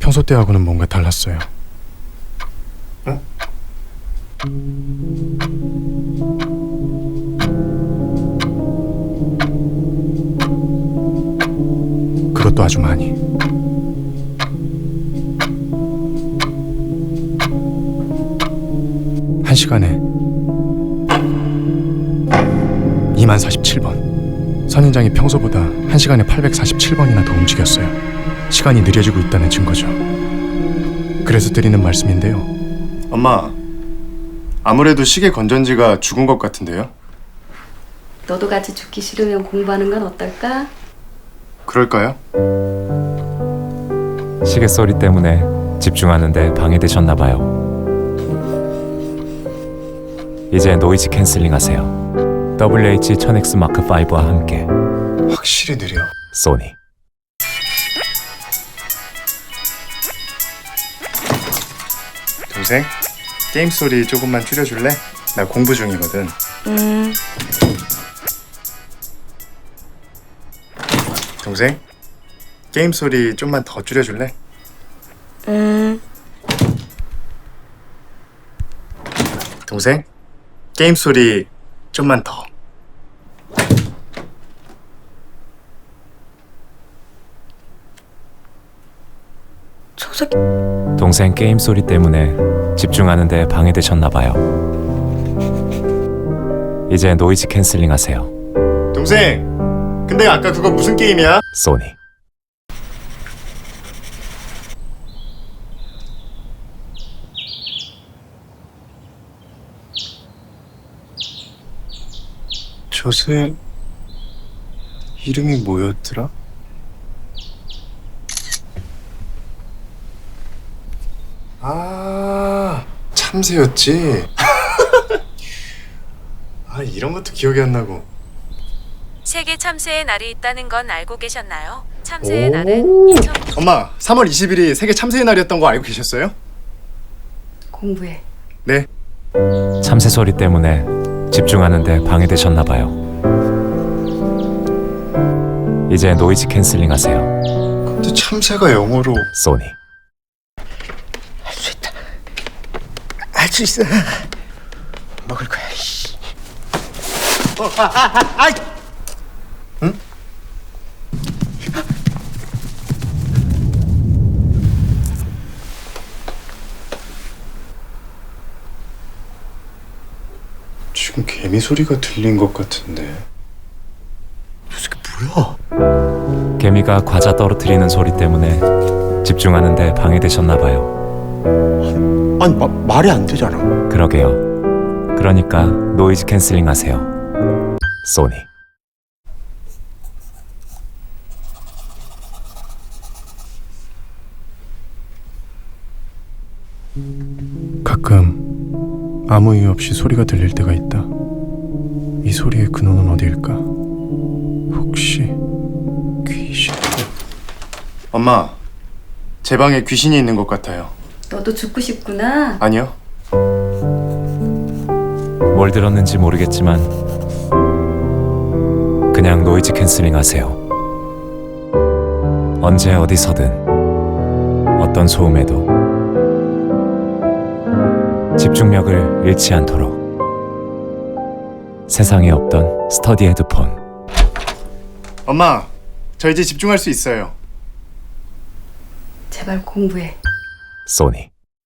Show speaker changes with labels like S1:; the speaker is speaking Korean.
S1: 평소 때하고는 뭔가 달랐어요. 어? 그것도 아주 많이. 한 시간에 2047번. 선인장이 평소보다 한 시간에 847번이나 더 움직였어요. 시간이 느려지고 있다는 증거죠. 그래서 드리는 말씀인데요. 엄마, 아무래도 시계 건전지가 죽은 것 같은데요?
S2: 너도 같이 죽기 싫으면 공부하는 건 어떨까?
S1: 그럴까요?
S3: 시계 소리 때문에 집중하는데 방해되셨나 봐요. 이제 노이즈 캔슬링 하세요. WH-1000X 마크 5와 함께
S1: 확실히 느려.
S3: 소니.
S1: 동생, 게임 소리 조금만 줄여줄래? 나 공부 중이거든. 동생, 게임 소리 좀만 더 줄여줄래? 동생, 게임 소리 좀만 더.
S2: 저 새끼
S3: 동생 게임 소리 때문에 집중하는데 방해되셨나 봐요. 이제 노이즈 캔슬링 하세요.
S1: 동생, 근데 아까 그거 무슨 게임이야?
S3: 소니.
S1: 저새 이름이 뭐였더라? 아, 참새였지. 아, 이런 것도 기억이 안 나고.
S4: 세계 참새의 날이 있다는 건 알고 계셨나요? 참새의
S1: 오.
S4: 날은 2000...
S1: 엄마, 3월 20일이 세계 참새의 날이었던 거 알고 계셨어요?
S2: 공부해.
S1: 네.
S3: 참새 소리 때문에 집중하는데 방해되셨나 봐요. 이제 노이즈 캔슬링 하세요.
S1: 근데 참새가 영어로
S3: 소니.
S5: 할 수 있다. 할 수 있어. 먹을 거야. 씨. 아이.
S1: 응? 지금 개미 소리가 들린 것 같은데.
S5: 저 새끼 뭐야?
S3: 개미가 과자 떨어뜨리는 소리 때문에 집중하는데 방해되셨나 봐요.
S5: 아니 말이 안 되잖아.
S3: 그러게요. 그러니까 노이즈 캔슬링 하세요. 소니.
S1: 가끔 아무 이유 없이 소리가 들릴 때가 있다. 이 소리의 근원은 어디일까? 혹시 귀신? 엄마, 제 방에 귀신이 있는 것 같아요.
S2: 너도 죽고 싶구나.
S1: 아니요.
S3: 뭘 들었는지 모르겠지만 그냥 노이즈 캔슬링 하세요. 언제 어디서든 어떤 소음에도 집중력을 잃지 않도록 세상에 없던 스터디 헤드폰.
S1: 엄마, 저 이제 집중할 수 있어요.
S2: 제발 공부해.
S3: 소니.